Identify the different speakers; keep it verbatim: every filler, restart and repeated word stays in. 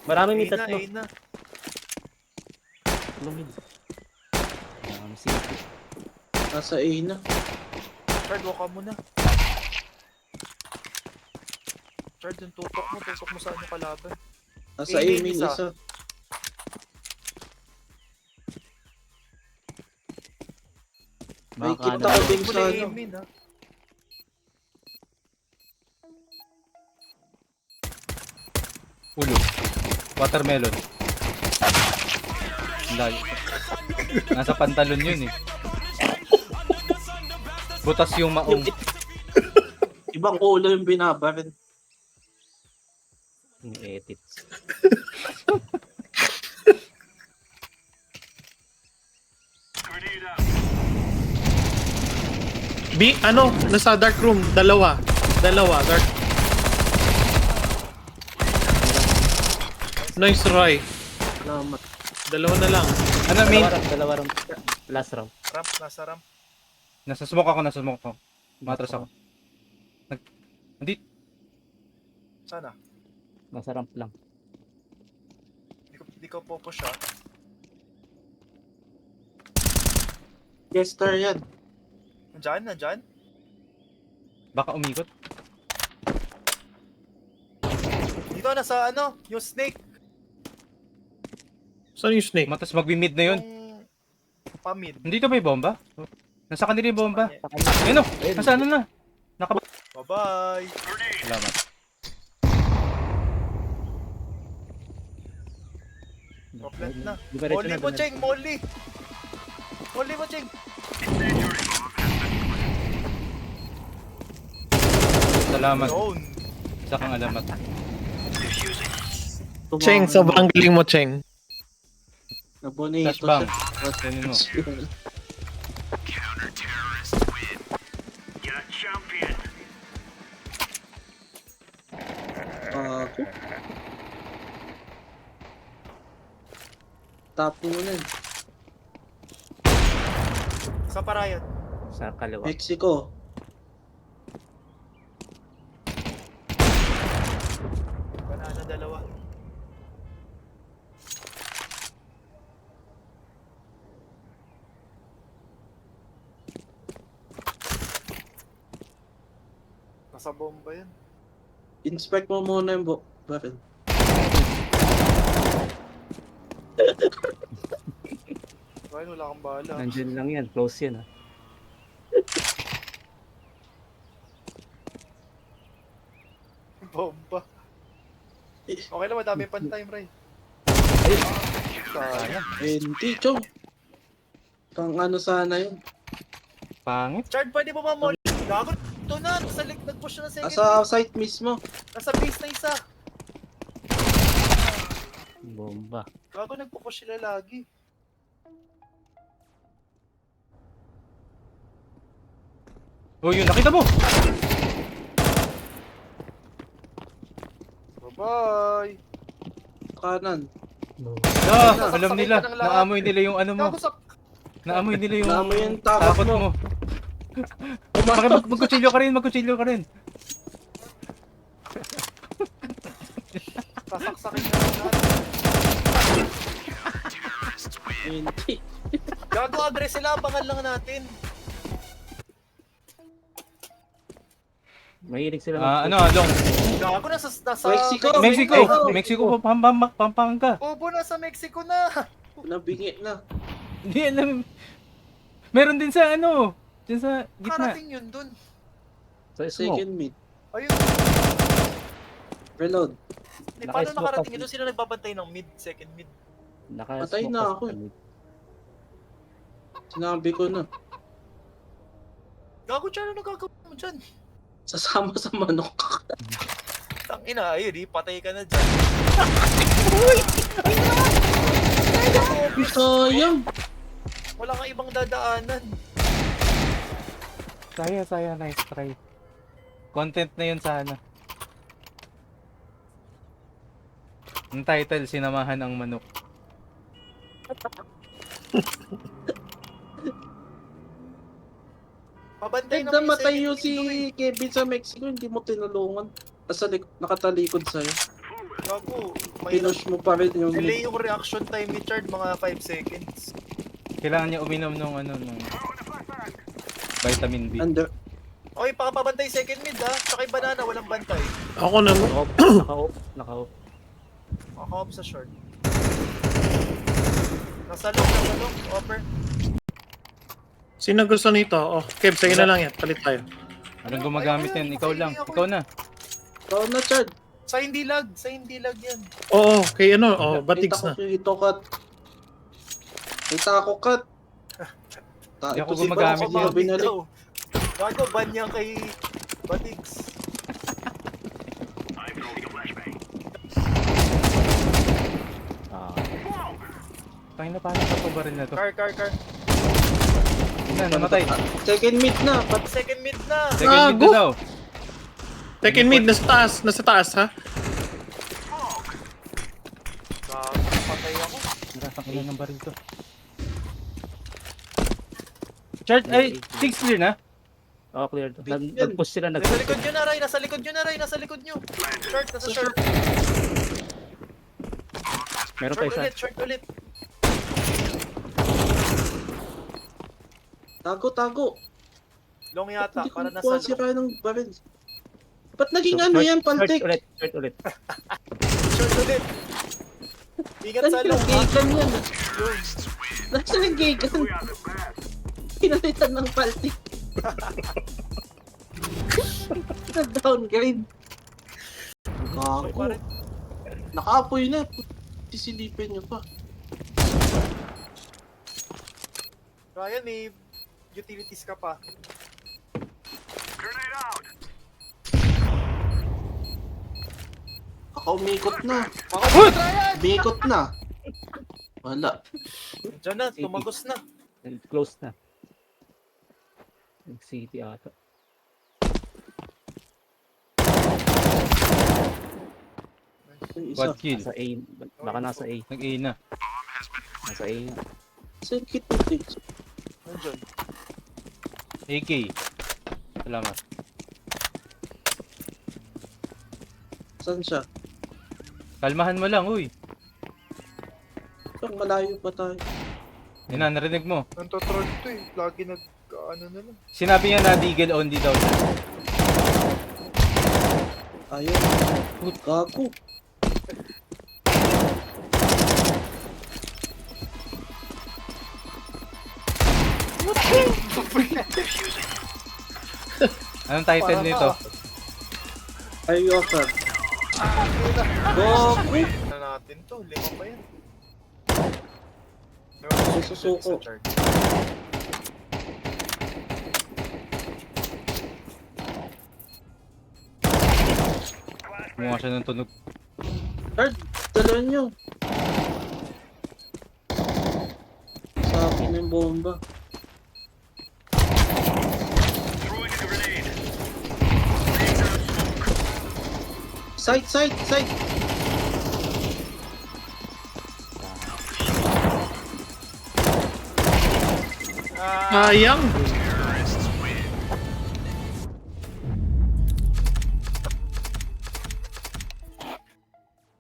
Speaker 1: Marami may
Speaker 2: A na,
Speaker 1: tatlo.
Speaker 2: A na.
Speaker 1: Lumid. Um, C.
Speaker 3: Nasa A na.
Speaker 2: Chard, walk ka muna. Chard, yung tutok mo, tutok mo saan yung kalaban.
Speaker 3: Nasa A
Speaker 2: A main
Speaker 3: main
Speaker 2: isa.
Speaker 3: isa. May
Speaker 1: Baka
Speaker 3: kita
Speaker 1: ano,
Speaker 3: ko din
Speaker 2: Muna
Speaker 3: sa
Speaker 2: A
Speaker 3: ano.
Speaker 2: main, ha.
Speaker 4: Ulo. Watermelon. Layo. Nasa pantalon yun eh. Butas yung maong.
Speaker 3: Ibang ulo yung binabarin.
Speaker 1: yung edits.
Speaker 5: B, ano? Nasa dark room. Dalawa. Dalawa. Dark. Nice, Roy.
Speaker 3: Salamat.
Speaker 5: Dalawa na lang.
Speaker 4: Ano main?
Speaker 1: Dalawa round, dalawa round. Last round.
Speaker 2: Ramp, nasa ramp.
Speaker 4: Nasa smoke ako, nasa smoke ako. Matras ako. Nag... Hindi.
Speaker 2: Sana.
Speaker 1: Nasa ramp lang.
Speaker 2: Di ko, di ko pupush, ha.
Speaker 3: Yes, star yan.
Speaker 2: Nandyan, nandyan.
Speaker 4: Baka umikot.
Speaker 2: Dito, nasa ano, yung snake.
Speaker 5: Saan yung snake?
Speaker 4: Matras magbi-mid na yun.
Speaker 2: Yung pamid.
Speaker 4: Nandito ba yung bomba? Nasa kanila yung bomba.
Speaker 2: Sa
Speaker 4: Ayun o, nasa ano na. Naka...
Speaker 2: Bye-bye.
Speaker 4: Salamat.
Speaker 2: Proplet na.
Speaker 1: Diretso
Speaker 2: Molly
Speaker 1: na,
Speaker 2: mo,
Speaker 1: diretso.
Speaker 2: Cheng! Molly! Molly mo, Cheng!
Speaker 4: Salamat.
Speaker 2: Yun!
Speaker 4: Isa kang alamat.
Speaker 5: Cheng, sobrang galing mo, Cheng.
Speaker 3: Nabonito
Speaker 4: Flashbang.
Speaker 3: siya.
Speaker 4: Ganun mo.
Speaker 3: Ako. Tapo mo na yun.
Speaker 2: Sa parayan.
Speaker 1: Sa kaliwa.
Speaker 3: Mexico.
Speaker 2: Banana dalawa. Nasa bomba yan.
Speaker 3: Inspect mo muna yung bo- barrel.
Speaker 2: Ryan, wala kang bala.
Speaker 1: Nandyan lang yan. Close yan, ha.
Speaker 2: Bomba. Okay lang, madami pang time, Ray. Sayang.
Speaker 3: Eh, hindi, Chong. Pang ano sana yun.
Speaker 4: Pangit.
Speaker 2: Chard, pwede mo ba molly? Gago, ito na. Nasa lik, nag-push na ng second.
Speaker 3: Asa site mismo.
Speaker 2: Nasa base na isa.
Speaker 1: Bomba.
Speaker 2: Gago, nagpo-push sila lagi.
Speaker 4: Oh, yun. Nakita mo!
Speaker 2: Bye-bye.
Speaker 3: Kanan.
Speaker 4: Ah,
Speaker 2: Sasaksakin
Speaker 4: alam nila.
Speaker 2: ka ng lahat.
Speaker 4: Naamoy nila yung ano mo.
Speaker 2: Gago sa...
Speaker 4: Naamoy nila yung
Speaker 3: Naamoy yung takot mo.
Speaker 4: Bakit mag magkutsilyo ka rin, magkutsilyo ka rin.
Speaker 2: Sasaksakin ka ng lahat.
Speaker 3: Hindi.
Speaker 2: Gago, address sila. Abangan lang natin.
Speaker 1: Mahilig sila.
Speaker 4: Ah,
Speaker 1: mag-
Speaker 4: ano, long.
Speaker 2: Gago, nasa... nasa
Speaker 3: Mexico.
Speaker 4: Mexico,
Speaker 3: Mexico.
Speaker 4: Mexico, Pampanga, Pampanga.
Speaker 2: Bobo, nasa Mexico na.
Speaker 3: Nabingi na.
Speaker 4: Hindi alam. Meron din sa ano, dyan sa gitna.
Speaker 2: Karating yun dun.
Speaker 1: Sa smoke.
Speaker 3: Second mid.
Speaker 2: Ayun.
Speaker 3: Reload.
Speaker 2: Eh, paano
Speaker 1: Naka-smoke
Speaker 2: nakarating
Speaker 1: kasi.
Speaker 2: yun? Doon sila nagbabantay ng mid, second mid.
Speaker 1: Naka-smoke
Speaker 3: Patay na
Speaker 1: pa
Speaker 3: ako
Speaker 1: sa
Speaker 3: eh.
Speaker 1: mid.
Speaker 3: Sinabi ko na.
Speaker 2: Gago, Charo, ano gagawin mo dyan?
Speaker 3: Sasama sa manok.
Speaker 2: Tangina, ayun, di, patay ka na dyan.
Speaker 3: Sayang.
Speaker 2: Wala kang ibang dadaanan.
Speaker 4: Saya, saya, nice try. Content na yun sana. Ang title, Sinamahan ang Manok.
Speaker 2: Pabantay
Speaker 3: Ganda
Speaker 2: ng
Speaker 3: matay
Speaker 2: second
Speaker 3: yung
Speaker 2: mid,
Speaker 3: si Kevin sa Mexico. Hindi mo tinulungan. Nasa lik- nakatalikod sa'yo.
Speaker 2: Gago, may
Speaker 3: Pinush mo pa rin yung
Speaker 2: delay yung reaction time ni Chard, mga five seconds.
Speaker 4: Kailangan niya uminom nung ano, nung vitamin B.
Speaker 3: under.
Speaker 2: Okay, pakapabantay second mid ha. Tsaka yung banana, walang bantay.
Speaker 5: Ako naman.
Speaker 1: Naka-off. Naka-off. Naka-off.
Speaker 2: Makaka-off sa short. Nasa long, nasa long, offer.
Speaker 5: Sino gusto nito? Oh, Kev, sige na lang yan. Palit tayo.
Speaker 4: Anong gumagamit yan? Ikaw lang. Ikaw na.
Speaker 3: Ikaw na, Chad.
Speaker 2: Sa hindi lag, sa hindi lag yan.
Speaker 5: Oo, kay ano, oh, batigs
Speaker 3: Kita
Speaker 5: na.
Speaker 3: ko ito, cut. Kita ako, cut. Ta,
Speaker 4: Hindi ako
Speaker 3: ito si
Speaker 4: gumagamit
Speaker 3: Bang,
Speaker 4: yan.
Speaker 3: ako binalik.
Speaker 2: daw. Gago, ban niya kay Batigs.
Speaker 1: Ah,
Speaker 4: Tangin na, paano ka pa baril na to?
Speaker 2: Car, car, car.
Speaker 4: Na, namatay.
Speaker 3: Second mid na. Pat
Speaker 2: Second mid na.
Speaker 4: Second mid
Speaker 5: Gago!
Speaker 4: na daw.
Speaker 5: Second mid, nasa taas, nasa taas ha.
Speaker 2: Gago, patay ako.
Speaker 4: Narasang ilan ng baril to. Chart, ay, six clear na?
Speaker 1: oh, clear. to. Nag-
Speaker 3: Yan.
Speaker 1: Nag-push sila.
Speaker 2: Nasa
Speaker 1: Nag-push.
Speaker 2: likod nyo na, Ray. Nasa likod nyo na, Ray. Nasa likod nyo. Short, nasa
Speaker 3: Sa
Speaker 2: short.
Speaker 1: Meron pa
Speaker 2: Short
Speaker 1: isa.
Speaker 2: ulit, short ulit.
Speaker 3: tago, tago.
Speaker 2: Long yata,
Speaker 3: Hindi ko
Speaker 2: para
Speaker 3: nakuha
Speaker 2: nasa
Speaker 3: si
Speaker 2: long.
Speaker 3: Ryan ng baril. Ba't naging
Speaker 1: So,
Speaker 3: ano
Speaker 1: short-
Speaker 3: yan,
Speaker 1: Short
Speaker 3: paltik?
Speaker 1: ulit. Short ulit.
Speaker 2: Short ulit. Ingat
Speaker 3: Saan
Speaker 2: sa long, ha?
Speaker 3: pinag-gagan yan?
Speaker 2: Yun.
Speaker 3: Nasaan ang gagan? Pinalitan ng paltik. Nag-downgrade.
Speaker 2: Okay,
Speaker 3: Gago.
Speaker 2: pare.
Speaker 3: Nakaapoy na. Sisilipin nyo pa.
Speaker 2: Ryan, may utilities ka pa.
Speaker 3: Kakaumikot na.
Speaker 2: Makapit, Ryan!
Speaker 3: Umikot na. Wala.
Speaker 2: Diyan na, tumagos na.
Speaker 1: Close na. Nag-city ata.
Speaker 3: Yung isa.
Speaker 4: Quad kill.
Speaker 1: Nasa A. Baka nasa A.
Speaker 4: Nag-A na.
Speaker 1: Nasa A. nga.
Speaker 3: Saan kit mo, Tix?
Speaker 2: Nandiyan.
Speaker 4: A K. Salamat.
Speaker 3: Saan siya?
Speaker 4: Kalmahan mo lang, uy.
Speaker 3: Parang malayo pa tayo.
Speaker 4: Yan na, narinig mo.
Speaker 2: Nantotroll to eh. Lagi nag... ano na lang.
Speaker 4: Sinabi niya na deagle only daw.
Speaker 3: Ayaw. Gago.
Speaker 4: Anong title nito?
Speaker 3: Ayaw ka. Gago.
Speaker 2: Ano natin to? Lima pa yan.
Speaker 3: Susuko.
Speaker 2: Sa chart.
Speaker 4: Kumuha siya ng tunog.
Speaker 3: Hard, dalawan nyo. Sa akin yung bomba. Side, side, side.
Speaker 2: Ah,
Speaker 5: Sayang.